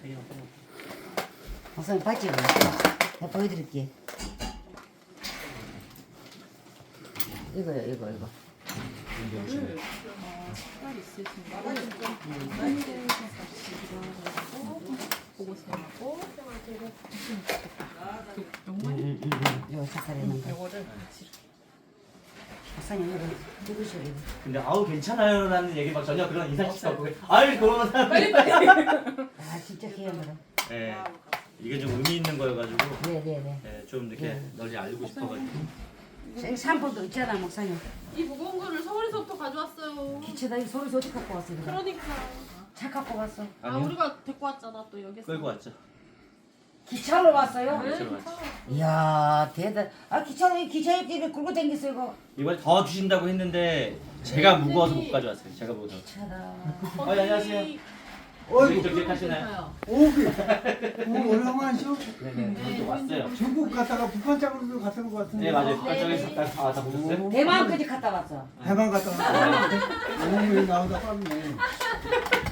목사님 봤죠? 내가 보여드릴게. 이거요, 이거. 딸 있으신가? 보고서하고 이거 색깔에는 거. 이거를 목사님 이거 누구셔 이거? 근데 아우 괜찮아요라는 얘기 막 전혀 그런 인상식도 없고 아유 그런 사람. 빨리. 아 진짜 귀여워라. 네. 이게 좀 의미 있는 거여가지고 네네네. 네, 좀 이렇게 널리 알고 싶어가지고. 여기 샴푸도 있잖아 목사님. 이 무거운 거를 서울에서부터 가져왔어요. 기체다 이 소리 어디 갖고 왔어 이거? 그러니까. 차 갖고 왔어. 아 아니요. 우리가 데리고 왔잖아 또 여기서. 끌고 왔죠. 기차로 왔어요? 네, 기차로 왔죠. 이야 대단. 아 기차에 입에 끌고 다녔어 이거. 이번에 더 주신다고 했는데 제가 무거워서 못 가져왔어요. 제가 무거워서. 차다. 안녕하세요. 어이구, 저 기억하시나요? 오기. 오랜만이죠? 네네. 또 왔어요. 중국 갔다가 북한 쪽으로도 갔던 것 같은데. 네 맞아요. 북한쪽에서 다 보셨어요? 대만까지 갔다 왔어. 대만 갔다 왔는데. 오늘 나오다 깜네.